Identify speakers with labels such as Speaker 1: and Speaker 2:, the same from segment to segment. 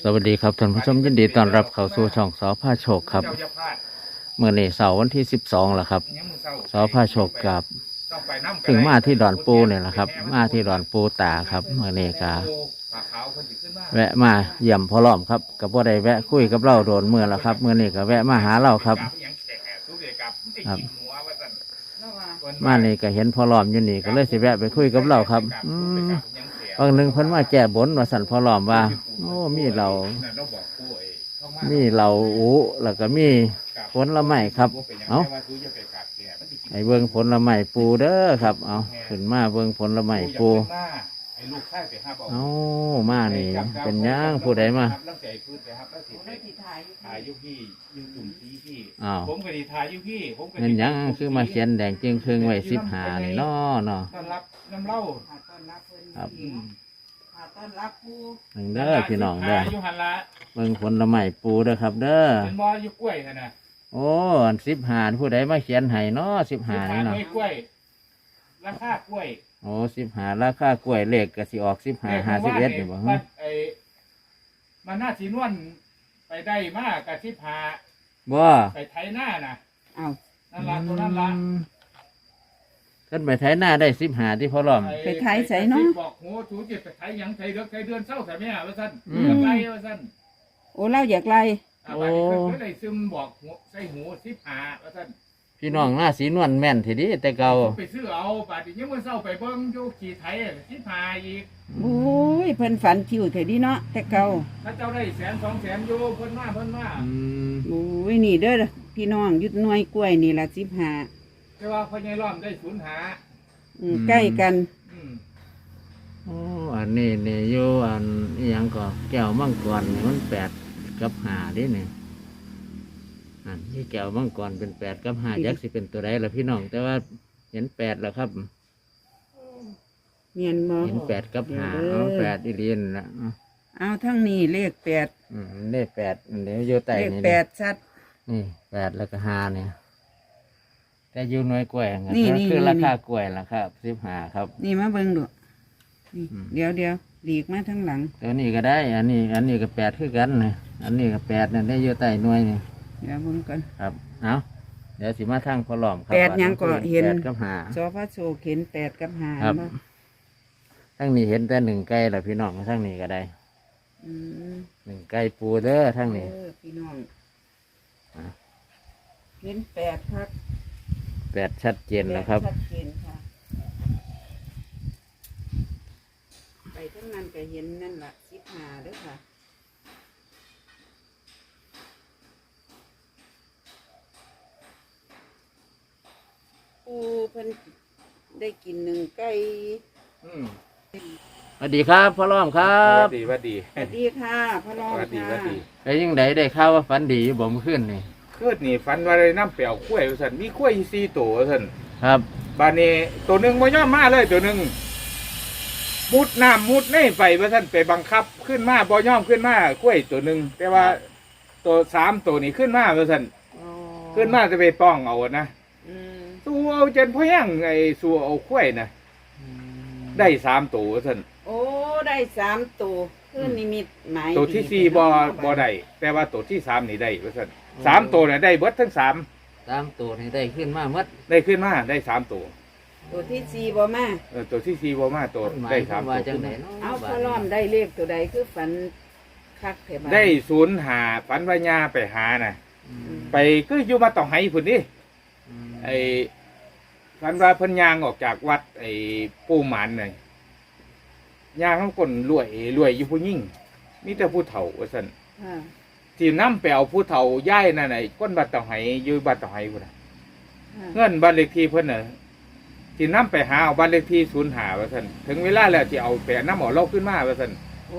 Speaker 1: สวัสดีครับท่านผู้ชมยินดีต้อนรับเข้าสู่ช่องสพาโชคครับเมื่อนี้เสาร์วันที่12แล้วครับสพาโชคกับถึงมาที่ดอนปูเนี่ยแหละครับมาที่ดอนปูตาครับเมื่อนี้ก็แวะมาเยี่ยมพ่อล้อมครับกับพ่อได้แวะคุยกับเราโดนเมื่อแล้วครับเมื่อนี้ก็แวะมาหาเราครับครับมานี่ก็เห็นพ่อล้อมอยู่นี่ก็เลยสิแวะไปคุยกับเราครับบางหนึ่งเพิ่นมาแก้บนว่าสั่นพ่อล้อมว่าโอ้มีเราอูแล้วก็มีผลไม้ครับเอาไอ้เบิ้งผลไม้ปูเด้อครับเอาขึ้นมาเบิ้งผลไม้ปูเอามานี่เป็นย่างผู้ใดมาอ้าวเงินยังคือมาเขียนแดงจึงครึ่งไว้15นี่เนาะครับหนึ่งเด้อพี่น้องเด้อเบิ่งผลไม้ปูเด้อครับเด้อเป็นบ่อยู่กล้วยนะโอ้15ผู้ใดมาเขียนให้เนาะ15นี่เนาะราคากล้วยโอ้15ราคากล้วยเลขก็สิออก15 51นี่บ่ฮะ
Speaker 2: มันน่าสินวนไปได้มากกับ15
Speaker 1: บ่
Speaker 2: ไปไถหน้าน่ะ
Speaker 3: อ้าว
Speaker 2: นั่นล่ะตัวนั้นล่ะ
Speaker 1: ขึ้นไปไถหน้าได้15ที่พ่อล้อม
Speaker 3: ไปไถใส่เนาะ
Speaker 2: บอกโหจูจิไปไถหยังไถเดือนเช้าแต่แม่ว่าซั่นอยากไล่ว่าซั่น
Speaker 3: โอ้เล่าอยากไล่
Speaker 2: โอ้ก็ได้ซึมบอกใส่หู15ว่าซั่น
Speaker 1: พี่น้องหน้าสีนวลแม่นทีนี้แต่เก่า
Speaker 2: ไปซื้อเอาบาดนี้มื้อเช้าไปเบิ่งอยู่ขี่ไถ15อีก
Speaker 3: โอ้ยเพิ่นฝันคิวเถิดดิเนาะแต่เก่า
Speaker 2: ถ้าเจ้าได้100,000 200,000อยู่เพิ่นมา
Speaker 3: โอ้ยนี่เด้อพี่น้องยุดหน่วยกล้วยนี่ล่ะ15
Speaker 2: แต่ว่าพ่อใหญ่ล้อมได้
Speaker 3: ใกล้กัน
Speaker 1: โอ้อันนี้นี่อยู่อันอีหยังก็แก้วมังกรนี่มัน8 กับ 5ดิเนี่ยอันนี้แก้วมังกรเป็น8 กับ 5ยักษ์สิเป็นตัวใดล่ะพี่น้องแต่ว่าเห็น8แล้วครับ
Speaker 3: เมียนบ่
Speaker 1: เห็น8 กับ 5เอา8อีเลียนละ
Speaker 3: เอาทั้งนี้เลข8
Speaker 1: เลข8เดี๋ยวอยู่ใต้นี่
Speaker 3: เลข8ชัด
Speaker 1: นี่8แล้วก็5เนี่ยแต่อยู่หน่วยกล้วยนี่คือราคากล้วยล่ะครับ15ครับ
Speaker 3: นี่มาเบิ่งดูนี่เดี๋ยวหลีกมาทั้งหลัง
Speaker 1: ตัวนี้ก็ได้อันนี้ก็8คือกันนะอันนี้ก็8นั่นได้อยู่ใต้หน่วยนี่
Speaker 3: เดี๋ยวเบิ่งกัน
Speaker 1: ครับเอาเดี๋ยวสิมาทางพอล้อมครับ
Speaker 3: 8ยังก็เห็น
Speaker 1: 8 กับ 5
Speaker 3: สพระโชคเห็น8 กับ 5
Speaker 1: ครับทั้งนี้เห็นแต่1ไก่ล่ะพี่น้องทั้งนี้ก็ได้1ไก่ปูเด้อทั้งนี้
Speaker 3: พี่น้องเห็น8ครับ
Speaker 1: 8ชัดเจนแล้วครับ
Speaker 3: ชัดเจนค่ะไปทั้งนั้นก็เห็นนั่นแหละ15ด้วยค่ะปูเพิ่นได้กิน1ไก่
Speaker 1: สวัสดีครับพ่อล้อมครับ
Speaker 2: สวัสดี
Speaker 3: ค่ะพ่อล้อมค่ะ
Speaker 1: ไอ้ยังได้ข่าวว่าฝันดีอยู่บ่เมื่อคืนนี่
Speaker 2: คืนนี่ฝันว่าได้น้ำเปล่ากล้วยสั่นมีกล้วย4ตัวสั่น
Speaker 1: ครับ
Speaker 2: บานนี้ตัวหนึ่งบ่ยอมมาเลยตัวหนึ่งมุดน้ำมุดในไฟว่าสั่นไปบังคับขึ้นมาบ่ยอมขึ้นมากล้วยตัวหนึ่งแต่ว่าตัว3ตัวนี้ขึ้นมาว่าสั่นขึ้นมาจะไปป้องเอานะสู้เอาจนพ่อยังไอ้สู้เอากล้วยนะได้3ตัวสั่น
Speaker 3: โอ้ได้3ตัวคือนิมิตหมาย
Speaker 2: ตัวที่4บ่ได้แต่ว่าตัวที่3นี่ได้ว่าสั่น3ตัวเนี่ยได้เบิดทั้ง3
Speaker 1: ตัวนี่ได้ขึ้นมาหมด
Speaker 2: ได้ขึ้นมาได้3ตัวตัวที่4บ่มาตัวได้3ตัว
Speaker 3: เอาพอล้อมได้เลขตัวใดคือฝันคักแท้บ่
Speaker 2: ได้05ฝันว่าญาไปหาน่ะไปคืออยู่มาต้องให้พุ่นนี่ไอ้ฝันว่าเพิ่นย่างออกจากวัดไอ้ปู่หมานน่ะย่างทั้งคนรวยอยู่ผู้หญิงมีแต่ผู้เฒ่าว่าซั่นที่นำไปเอาผู้เฒ่าย้ายนั่นน่ะคนบัดต้องให้อยู่บัดต้องให้พุ่นน่ะเงินบ้านเลขที่เพิ่นน่ะที่นำไปหาเอาบ้านเลขที่05ว่าซั่นถึงเวลาแล้วที่เอาไปนำเอาเราขึ้นมาว่าซั่นโอ้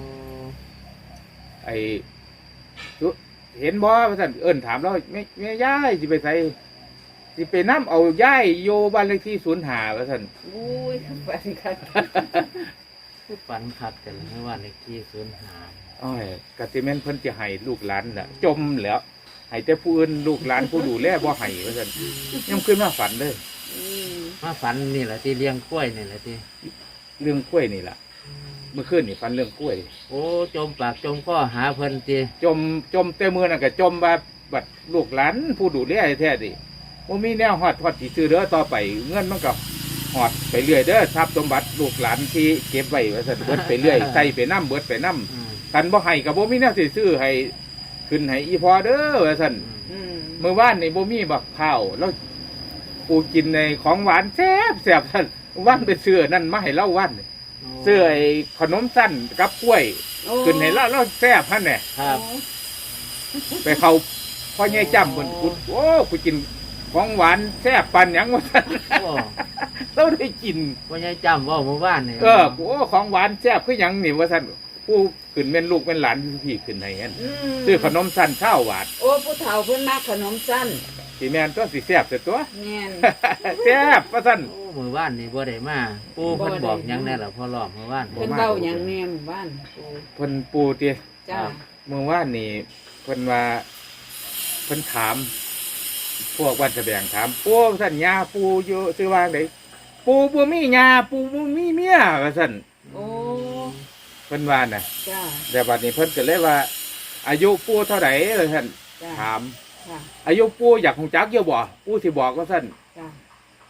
Speaker 2: ไอ้เห็นบ่ว่าซั่นเอิ้นถามเราแม่ย้ายสิไปไสสิไปนำเอาย้ายโยบ้านเลขที่05ว่าซั่น
Speaker 3: อุ้ยฝันคัก
Speaker 1: คือฝันคักแต่ละว่าเลขที่05
Speaker 2: อ้อยกะสิแม่นเพิ่นสิให้ลูกหลานน่ะจมแล้วให้แต่ผู้อื่นลูกหลานผู้ดูแลบ่ให้ว่าซั่นยังขึ้นมาฝันเลย
Speaker 1: มาฝันนี่แหละที่เลี้ยงกล้วยนี่แหละที่
Speaker 2: เรื่องกล้วยนี่ล่ะเมื่อคืนนี่ฝันเรื่องกล้วย
Speaker 1: โอ้จมปากจมคอหาเพิ่นติ
Speaker 2: จมแต่มือนั่นก็จมว่าบัดลูกหลานผู้ดูแลแท้ดิบ่มีแนวฮอดสิซื้อเด้อต่อไปเงินมันก็ฮอดไปเรื่อยเด้อทรัพย์สมบัติลูกหลานที่เก็บไว้ว่าซั่นเบิดไปเรื่อยใส่ไปน้ำเบิดไปน้ำ
Speaker 1: อืม
Speaker 2: กันบ่ให้ก็บ่มีแนวสิซื้อให้ขึ้นให้อีพอเด้อว่าซั่น
Speaker 3: อืม
Speaker 2: เมื่อวานนี่บ่มีบักข้าวแล้วกูกินในของหวานแซ่บซั่นวันไปซื้อนั่นมาให้เล่าวันซื้อไอ้ขนมสั้นกับกล้วย
Speaker 3: โอ้
Speaker 2: ขึ้นให้เล่าแซ่บหั่นแหละ
Speaker 1: ครับ
Speaker 2: ไปเข้าพ่อใหญ่จ้ำเพิ่นกูโอ้กูกินของหวานแซ่บปานหยังว่าซั่น
Speaker 1: โอ้
Speaker 2: เราได้กิน
Speaker 1: บ่ยายจำเว่าเมื่อวานนี่
Speaker 2: กูโอ้ของหวานแซ่บคือหยังนี่ว่าซั่นกูขึ้นเป็นลูกเป็นหลานพี่ขึ้นให้หั่น
Speaker 3: ม
Speaker 2: ซื้อขนมสั้นข้าวหวาน
Speaker 3: โอ้ผู้เฒ่าเพิ่นมักขนมสั้น
Speaker 2: สิแม่นตัวสิแซ่บเสียตัว
Speaker 3: แม่น
Speaker 2: แซ่บว่าซั่น
Speaker 1: โอ้เมื่อวานนี่บ่ได้มาปู่เพิ่นบอกหยังแน่ล่ะพ่อรอบเมื่อวาน
Speaker 3: เพิ่นเว้าหยังแน่หมู่บ้านโอ้
Speaker 2: เพิ่นปูติ
Speaker 3: จ้า
Speaker 2: เมื่อวานนี่เพิ่นว่าเพิ่นถาม พวกวันแสดงถามปูท่านยาปูอยู่ซื้อว่าไดปูบ่มียาปูบ่มีเมียว่าซั่น
Speaker 3: โอ้
Speaker 2: เพิ่นว่าน่ะ
Speaker 3: จ้า
Speaker 2: แต่บัดนี้เพิ่นก็เลยว่า อายุปูเท่าไหร่ว่าซั่น
Speaker 3: จ้า
Speaker 2: ถาม
Speaker 3: ค่ะ
Speaker 2: อายุปูอยากฮู้จักอยู่บ่ปูสิบอกว่าซั่น
Speaker 3: จ้า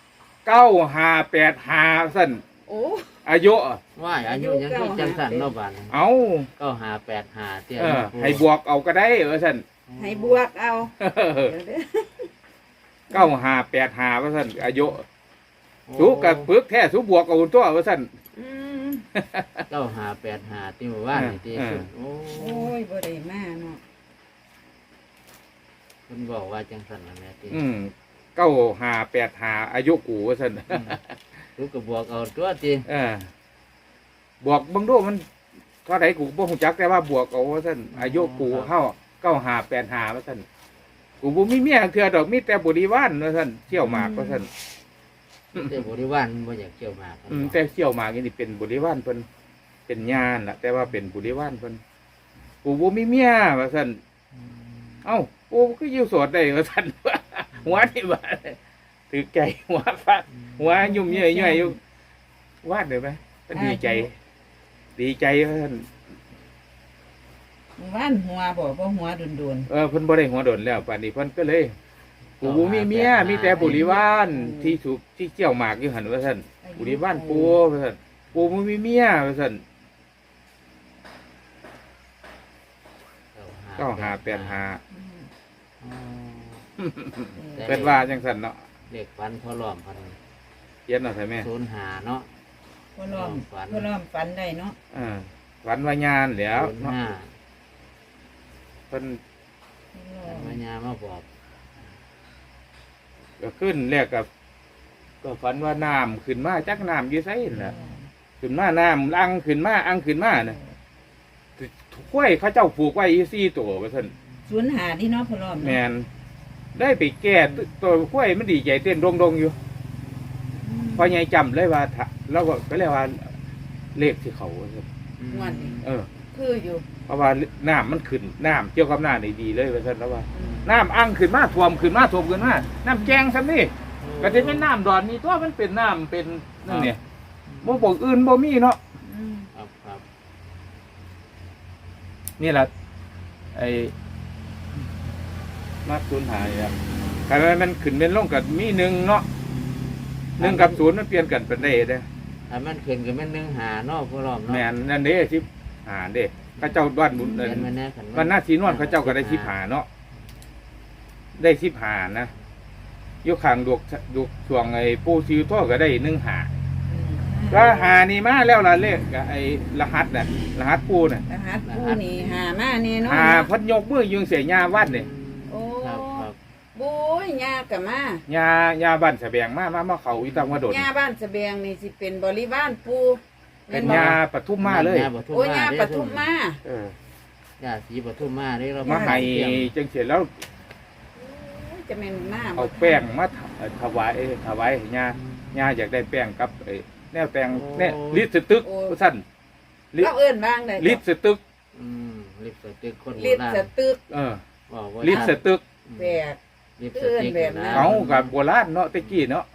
Speaker 2: 9585ว่าซั่น
Speaker 3: โอ้
Speaker 2: อายุ
Speaker 1: ว่าอายุยังคือจังสั่นเนาะบาดนี้
Speaker 2: เอา
Speaker 1: 9585เตี้ย
Speaker 2: ให้บวกเอาก็ได้ว่าซั่น
Speaker 3: ให้บวกเอาเดี๋ยวเด้อ
Speaker 2: 9585ว่าซั่นอายุสูกับปึกแท้สูบวกเอาตัวว่าซั่น
Speaker 3: อืม
Speaker 1: 9585ที่เมื่อวานนี่ติ โอ้
Speaker 3: โอ้ยบ่ได้มาเนาะ
Speaker 1: เพิ่นบอกว่าจังสั่นนั่นแหละติ
Speaker 2: 9585อายุกูว่าซั่น
Speaker 1: ลูกก็บวกเอาตัวติ
Speaker 2: บวกเบิ่งดูมันเท่าไหร่กูบ่ฮู้จักแต่ว่าบวกเอาว่าซั่นอายุกูเฮา9585ว่าซั่นกูบ่มีเมียเทื่อดอกมีแต่บริวารว่าซั่นเที่ยวหมากว่าซั่น
Speaker 1: แต่บริวารบ่อยากเกี่ยวหมากครับ
Speaker 2: แต่เที่ยวหมากนี่เป็นบริวารเพิ่นเป็นญาณน่ะแต่ว่าเป็นบริวารเพิ่นกูบ่มีเมียว่าซั่น เอ้ากูก็อยู่โสดได้ว่าซั่น หัวนี่ว่าถือใจหัวฟักหัวยุ่มเย่อยๆอยู่วาดได้ไหมมันดีใจ ดีใจว่าซั่น
Speaker 3: หมู่บ้านหัวบ่หัวโดน
Speaker 2: เพิ่นบ่ได้หัวโดนแล้วป่านนี้เพิ่นก็เลยกูบ่มีเมียมีแต่บริวารที่ถูกที่เกี่ยวหมากอยู่หั่นว่าซั่นบริวารปูว่าซั่นปูบ่มีเมียว่าซั่น9585
Speaker 3: ๆอืม
Speaker 1: อ๋อ
Speaker 2: เพิ่นว่าจังซั่นเนาะ
Speaker 1: เด็กฝันพ่อรอมพัน
Speaker 2: เขียนเอาใช่ไหม
Speaker 1: 05เนาะ
Speaker 3: พ่อล้อม
Speaker 1: ฝัน
Speaker 3: พ่อล้อมฝันได้เนาะ
Speaker 2: ฝันว่ายานแหล้วเนาะ
Speaker 1: 05
Speaker 2: เพิ่น
Speaker 1: ปัญญามาบอก
Speaker 2: ก็ขึ้นแรกก็ฝันว่าน้ำขึ้นมาจักน้ำอยู่ไสนั่นน่ะขึ้นมาน้ำอังขึ้นมาน่ะข้อยเขาเจ้าผูกไว้อี4ตัวว่าซั่น
Speaker 3: ศูนย์หาที่เนาะพ่อล้อม
Speaker 2: แม่นได้ไปแก้ตัวข้อยมันดีใจเต้นดงๆอยู่ พอใหญ่จำเลยว่าเราก็เลยว่าเลขที่เขาว่าซั่น
Speaker 3: งวดนี้ คืออยู่
Speaker 2: เพราะว่าน้ำมันขึ้นน้ำเกี่ยวกับน้ำนี่ดีเลยว่าซั่นแล้วว่า
Speaker 3: อืม
Speaker 2: น้ำอังขึ้นมาท่วมขึ้นมาน้ำแกงซ้ำนี่ก็จะเป็นน้ำดอนนี่ตัวมันเป็นน้ำเป็นนั่นเนี่ยบ่บอกอื่นบ่มีเนาะ
Speaker 3: อืม
Speaker 1: ครับ
Speaker 2: นี่แหละไอ้มาสูญหายอ่ะใครมันขึ้นเป็นลงกับมีหนึ่งเนาะหนึ่งกับศูนย์มันเปลี่ยนกันเป็นได้เด้
Speaker 1: ถ้ามันขึ้นก็แม่น15เนาะพ่อรอมเนาะ
Speaker 2: แม่นนั่นเด้สิเด้เข้าเจ้าด้านบุญ
Speaker 1: เขียนมาแน่ขัน
Speaker 2: วันหน้าสีนวลเขาเจ้าก็ได้15เนาะได้15นะอยู่ข้างดวกช่วงไอ้ปูซิวโตก็ได้15ก็หานี่มาแล้วล่ะเลขไอ้รหัสน่ะรหัสปูน่ะ
Speaker 3: รหัสผู้นี่หามาแน่เนอน
Speaker 2: หาเพัดยกมือยืงเสียญาวัดนี่
Speaker 3: โอ้
Speaker 1: ครับ
Speaker 3: บุ้ยยากะมา
Speaker 2: ญาบ้านแสบงมาเขาอีตังมาโดด
Speaker 3: ยาบ้านสะเบียงนี่สิเป็นบริวารปู
Speaker 2: เป็น
Speaker 3: บ่
Speaker 2: ญาปทุมมาเลย
Speaker 3: โอ้ยยาปทุมมา
Speaker 2: เออ
Speaker 1: ญาสีปทุมมาได้เรา
Speaker 2: มาให้จังเสร็จแล้ว
Speaker 3: โอ้ยจะเป็นหน้า
Speaker 2: เอาแป้งมาถวายให้ญาอยากได้แป้งกับแนวแป้งแนวลิตรสตึกสั้น
Speaker 3: เราเอิ้นบ้างได้
Speaker 2: ลิตรสตึก
Speaker 1: ลิปสติกคน
Speaker 3: ลิตรสตึก
Speaker 1: บอกว่า
Speaker 2: ลิตรสตึก
Speaker 3: แบก
Speaker 1: ลิปส
Speaker 3: เอิ้น
Speaker 1: ติก
Speaker 3: แบบนั้น
Speaker 2: เอากับโบราณเนาะตะกี้เนาะ
Speaker 3: โอ้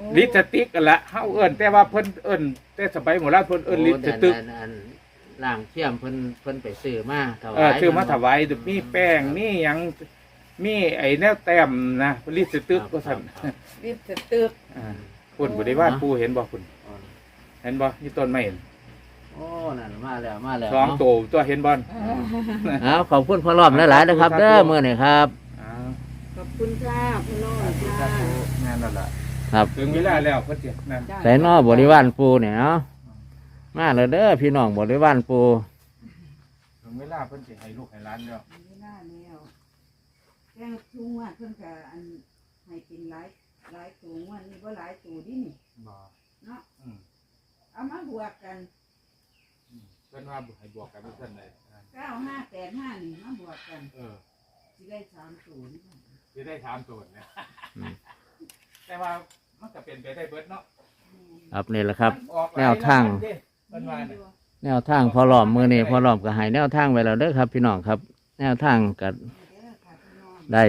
Speaker 2: ลิปสติกกันละเฮาเอิ้นแต่ว่าเพิ่นเอิ้นแต่สมัยโบราณเพิ่นเอิ้นลิปสติก
Speaker 1: อันล่างเทียมเพิ่นไปซื้อมาถวาย
Speaker 2: ซื้อมาถวายมีแป้งมีหยังมีไอ้แนวแต้มนะลิปสติกก็สั่น
Speaker 3: ลิปสตึก
Speaker 2: คุณบริวารปูเห็นบ่คุณเห็นบ่นี่ต้นไม้
Speaker 1: โอ้นั่นมาแล้ว
Speaker 2: สองตัวเห็นบ่
Speaker 1: เอาขอบคุณพ่อรอบหลายๆนะครับเด้อมื้อนี้ครับ
Speaker 3: ขอบคุณค่ะพี่น้องจ้า
Speaker 2: งานนั่นล่ะ
Speaker 1: ครับ
Speaker 2: ถึงเวลาแล้วเพิ่นสินั่น
Speaker 1: ใส่นอบริวารปูเนี่ยเนาะมาเลยเด้อพี่น้องบริวารปู
Speaker 2: ถึงเวลาเพิ่นสิให้ลูกให้หลานแล้ว
Speaker 3: เวลาแล้วแจ้งทุ่งว่าเพิ่นก็อันให้เป็นหลายตัววันนี้บ่หลายตัวดินี่
Speaker 2: บ่
Speaker 3: เนาะเอามาบวกกัน
Speaker 2: เพิ่นว่าให้บวกกันเพิ่นได้
Speaker 3: 9585นี่มาบวกกันสิได้3ตัวนี่
Speaker 2: สิได้ถามตัวเนี่ยแต่ว่ามันก็เป็นไปได้เบิดเนาะ
Speaker 1: ครับนี่แหละครับ
Speaker 2: ออกหลย
Speaker 1: แนวทาง
Speaker 2: เด้เพิ่นว่าน่ะ
Speaker 1: แนวทางพอหลอมมือนี่พอหลอมก็ให้แนวทางไว้แล้วเด้อครับ พี่น้องครับ แนวทางก็ได้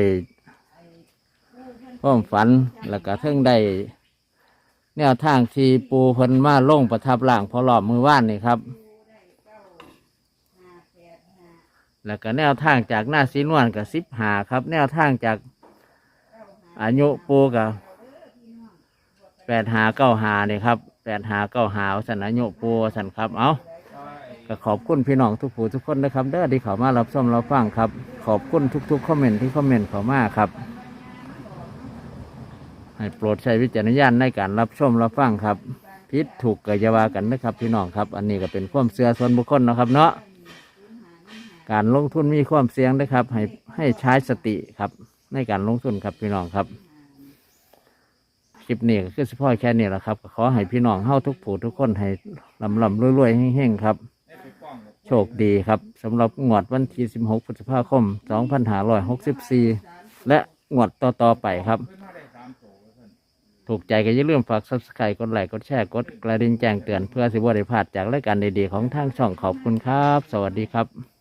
Speaker 1: ความฝันแล้วก็เพิ่งได้ แนวทางที่ปูเพิ่นมาลงประทับร่างพอหลอมมือว่านนี่ครับ แล้วก็แนวทางจากหน้าสีนวลกับ15ครับ แนวทางจากอายุปูกับ8595นี่ครับ8595สันอายุปูสันครับเอาก็ขอบคุณพี่น้องทุกผู้ทุกคนนะครับเด้อที่เขามารับชมรับฟังครับ ขอบคุณทุกๆคอมเมนต์ที่คอมเมนต์เข้ามาครับ ให้โปรดใช้วิจารณญาณในการรับชมรับฟังครับผิดถูกก็อย่าว่ากันนะครับ พี่น้องครับ อันนี้ก็เป็นความเชื่อส่วนบุคคลนะครับเนาะการลงทุนมีความเสี่ยงนะครับให้ใช้สติครับ ในการลงทุนครับพี่น้องครับคลิปนี้ก็คือเฉพาะแค่นี้แหละครับก็ขอให้พี่น้องเฮาทุกผู้ทุกคนให้ลำรวยๆเฮงๆครับ โชคดีครับสำหรับงวดวันที่16 พฤษภาคม 2564 และงวดต่อๆไปครับ ถูกใจก็อย่าลืมฝาก Subscribe กดไลค์กดแชร์กดกระดิ่งแจ้งเตือนเพื่อสิบ่ได้พลาดจากรายการดีๆของทางช่องขอบคุณครับ สวัสดีครับ